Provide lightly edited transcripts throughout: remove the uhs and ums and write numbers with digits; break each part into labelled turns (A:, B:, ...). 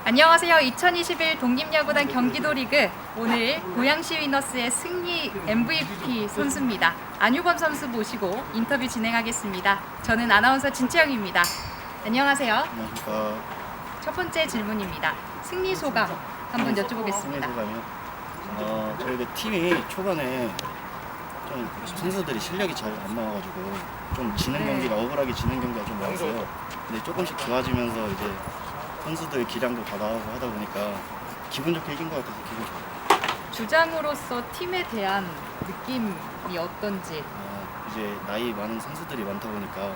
A: 안녕하세요. 2021 독립야구단 경기도 리그 오늘 고양시 위너스의 승리 MVP 선수입니다. 안유범 선수 모시고 인터뷰 진행하겠습니다. 저는 아나운서 진채영입니다. 안녕하세요.
B: 안녕하십니까.
A: 첫 번째 질문입니다. 승리 소감 한번 여쭤보겠습니다.
B: 소감이요? 저희가 팀이 초반에 좀 선수들이 실력이 잘 안 나와가지고 좀 지는 경기가 억울하게 지는 경기가 좀 많았어요. 근데 조금씩 좋아지면서 이제 선수들 기량도 다 나오고 하다 보니까 기분 좋게 이긴 것 같아서 기분 좋아요.
A: 주장으로서 팀에 대한 느낌이 어떤지.
B: 이제 나이 많은 선수들이 많다 보니까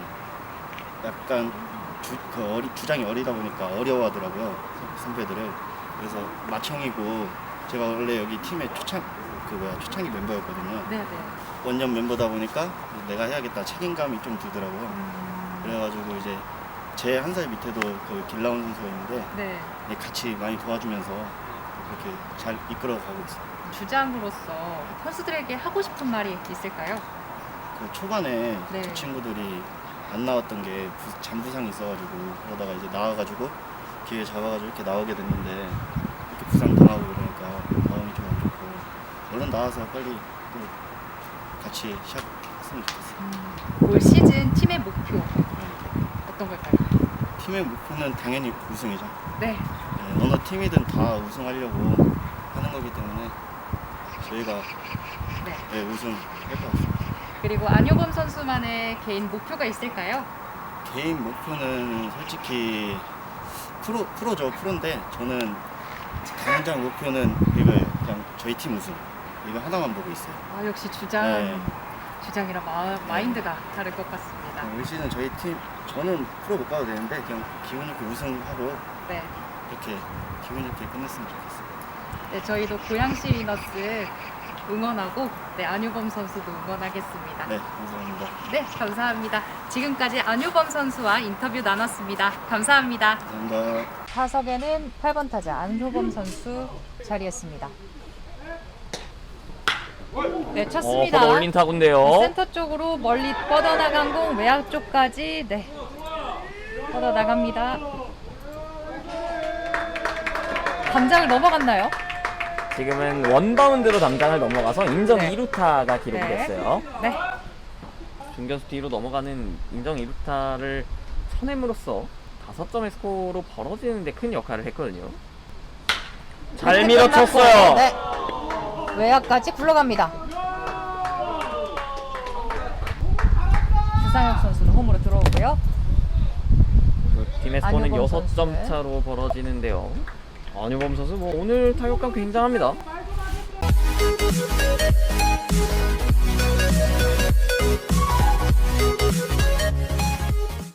B: 약간 주장이 어리다 보니까 어려워하더라고요, 선배들을. 그래서 마청이고 제가 원래 여기 팀의 초창기 멤버였거든요.
A: 네네.
B: 원년 멤버다 보니까 내가 해야겠다 책임감이 좀 들더라고요. 그래가지고 이제 제 한 살 밑에도 그 길라온 선수가 있는데
A: 네.
B: 같이 많이 도와주면서 그렇게 잘 이끌어가고 있어요.
A: 주장으로서 선수들에게 하고 싶은 말이 있을까요?
B: 그 초반에
A: 네.
B: 저 친구들이 안 나왔던 게 잔부상이 있어가지고 그러다가 이제 나와가지고 기회 잡아가지고 이렇게 나오게 됐는데 이렇게 부상 당하고 그러니까 마음이 좀 안 좋고 얼른 나와서 빨리 또 같이 시작했으면 좋겠어요.
A: 올 시즌 팀의 목표 어떤 걸까요?
B: 팀의 목표는 당연히 우승이죠.
A: 네.
B: 어느 팀이든 다 우승하려고 하는 거기 때문에 저희가
A: 네.
B: 우승할 것 같습니다.
A: 그리고 안효범 선수만의 개인 목표가 있을까요?
B: 개인 목표는 솔직히 프로죠. 프로인데 저는 당장 목표는 이거예요. 그냥 저희 팀 우승. 이거 하나만 보고 있어요.
A: 아, 역시
B: 네.
A: 주장이랑 마인드가 다를 것 같습니다.
B: 올 시즌 저희 팀 저는 프로 못 가도 되는데 그냥 기분 좋게 우승하고
A: 네.
B: 이렇게 기분 좋게 끝냈으면 좋겠어요.
A: 네, 저희도 고양시 위너스 응원하고 안효범 선수도 응원하겠습니다.
B: 네, 감사합니다.
A: 네, 감사합니다. 지금까지 안효범 선수와 인터뷰 나눴습니다. 감사합니다.
B: 감사합니다.
A: 타석에는 8번 타자 안효범 선수 자리했습니다. 네, 쳤습니다.
C: 뻗어 올린 타구인데요.
A: 센터 쪽으로 멀리 뻗어나간 공 외야 쪽까지 뻗어나갑니다. 담장을 넘어갔나요?
C: 지금은 원바운드로 담장을 넘어가서 인정
A: 네.
C: 2루타가 기록이 됐어요.
A: 네.
C: 중견수 뒤로 넘어가는 인정 2루타를 쳐냄으로써 5점의 스코어로 벌어지는데 큰 역할을 했거든요. 잘 밀어쳤어요.
A: 네. 외야까지 굴러갑니다. 주상혁 선수는 홈으로 들어오고요.
C: 팀의 스코어는
A: 안효범
C: 6점
A: 선수의.
C: 차로 벌어지는데요. 안효범 선수 오늘 타격감 굉장합니다.